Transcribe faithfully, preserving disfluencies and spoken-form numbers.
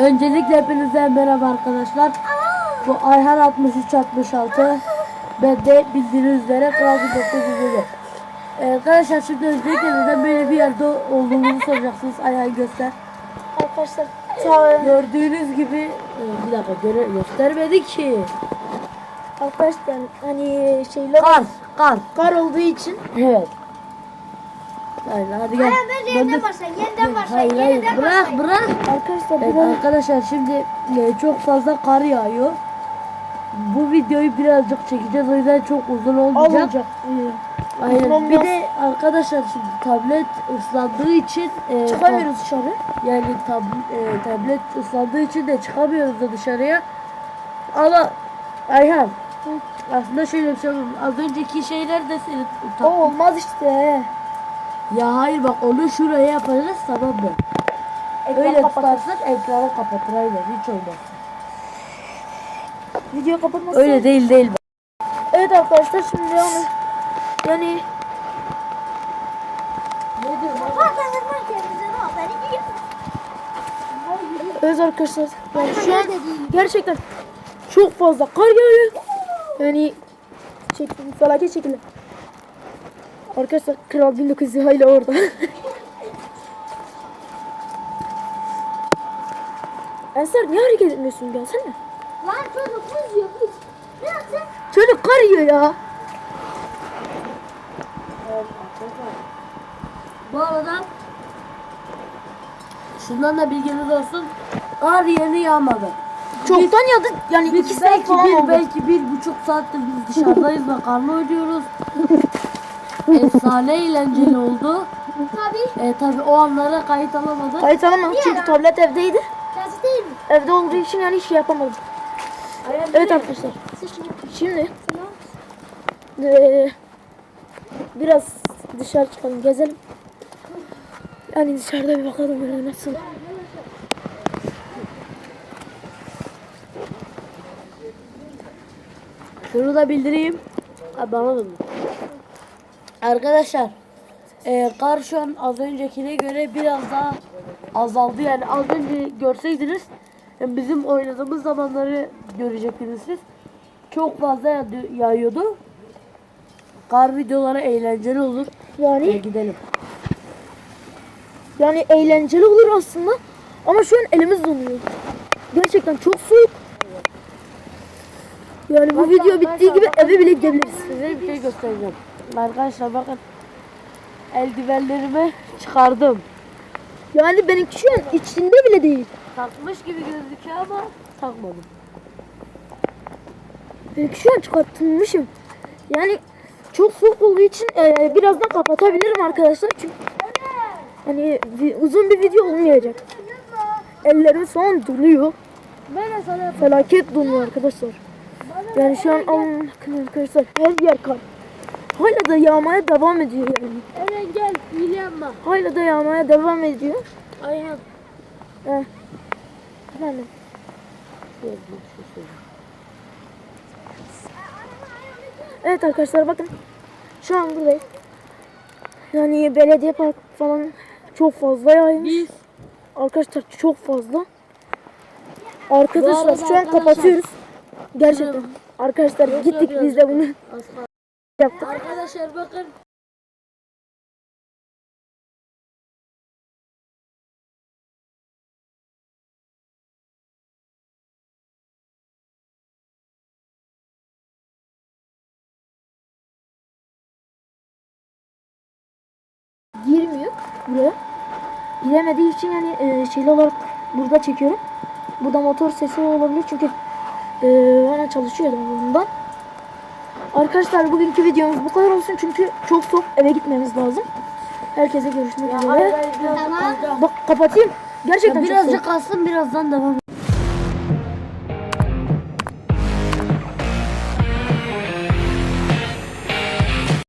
Öncelikle hepinize merhaba arkadaşlar. Bu Ayhan altmış üç altmış altı. Ben de bildiğiniz üzere Kral bin dokuz yüz elli. Ee, arkadaşlar şimdi öncelikle neden böyle bir yerde olduğumuzu soracaksınız. Ayhan göster. Arkadaşlar sağ Gördüğünüz gibi e, bir dakika göre, göstermedi ki. Arkadaşlar hani şeyler Kar, kar. kar olduğu için Evet. Hayır, hadi gel. Hayır, bence yeniden başlayın, yeniden başlayın, Hayır, hayır, yeniden bırak, başlayın. bırak. arkadaşlar Evet biraz arkadaşlar şimdi e, çok fazla kar yağıyor. Bu videoyu birazcık çekeceğiz, o yüzden çok uzun olmayacak. olacak. Aynen. Olmaz. Bir de arkadaşlar şimdi tablet ıslandığı için e, Çıkamıyoruz dışarı. tab- yani tab e, tablet ıslandığı için de çıkamıyoruz da dışarıya. Ama Ayhan aslında şöyle bir şey var. Az önceki şeyler de seni O utan. olmaz işte. Ya hayır bak onu şuraya yapacağız, tamam mı? Ekranı Öyle kapatır. tutarsak ekranı kapatır, aynen, hiç olmaz. Video kapatmasın. Öyle değil değil. Evet arkadaşlar şimdi yani yani Ne diyorsun? Arkadaşlar kendinize ne haber? İyi. evet arkadaşlar yani şu an gerçekten çok fazla kar yağıyor. Yani şekil, felaket şekilde. Arkadaşlar Kral bin dokuz yüz hala orada. Ensar niye hareket etmiyorsun, gelsene. Lan çocuk buz yiyor buz. Ne yaptın? Çocuk kar yiyor ya. Bu arada şundan da bilginiz olsun. Kar yeni yağmadı. Çoktan yağdı yani iki Biz saat belki falan bir, oldu. belki bir buçuk saattir biz dışarıdayız ve karla oynuyoruz. Efsane eğlenceli oldu. Tabii. E, tabi o anlara kayıt alamadık. Hayır tamam çünkü tablet evdeydi. Gazete değil mi? Evde olduğu için yani hiç şey yapamadım. Evet arkadaşlar. Şimdi eee, biraz dışarı çıkalım, gezelim. Yani dışarıda bir bakalım böyle nasıl. Şunu da bildireyim. Ha, bana da mı? Arkadaşlar e, kar şu an az öncekine göre biraz daha azaldı. Yani az önce görseydiniz yani bizim oynadığımız zamanları görecektiniz siz. Çok fazla yağ- yağıyordu. Kar videoları eğlenceli olur. E, Yani gidelim. yani eğlenceli olur aslında. Ama şu an elimiz donuyor. Gerçekten çok soğuk. Yani bu video bittiği gibi eve bile gidebiliriz. Size bir şey göstereceğim. Arkadaşlar bakın. Eldivenlerimi çıkardım. Yani benimki şu an içinde bile değil. Takmış gibi gözüküyor ama takmadım. Benimki şu an çıkartılmışım. Yani çok soğuk olduğu için e, birazdan kapatabilirim arkadaşlar. Çünkü hani vi- uzun bir video olmayacak. Ellerim son donuyor. Ben de sana Felaket donuyor arkadaşlar. Yani şu an alın bakın arkadaşlar, her yer kar. Hala da yağmaya devam ediyor yani. Eren gel, hile yapma. Hala da yağmaya devam ediyor. Ayhan. Eh. Efendim. Evet arkadaşlar bakın. Şu an buradayız. Yani belediye park falan çok fazla yağmış. Biz Arkadaşlar çok fazla. Bu Arkadaşlar arada şu an arkadaşlar- kapatıyoruz. Gerçekten. Arkadaşlar gittik biz de bunu yaptık. arkadaşlar bakın. Girmiyor buraya. Giremediği için yani e, şeyli olarak burada çekiyorum. Burada motor sesi olabilir çünkü e, bana çalışıyor bundan. Arkadaşlar bugünkü videomuz bu kadar olsun çünkü çok soğuk, eve gitmemiz lazım. Herkese görüşmek üzere. Hayır, hayır, biraz- Tamam. Bak kapatayım. Gerçekten çok soğuk. Birazcık kalsın, birazdan devam.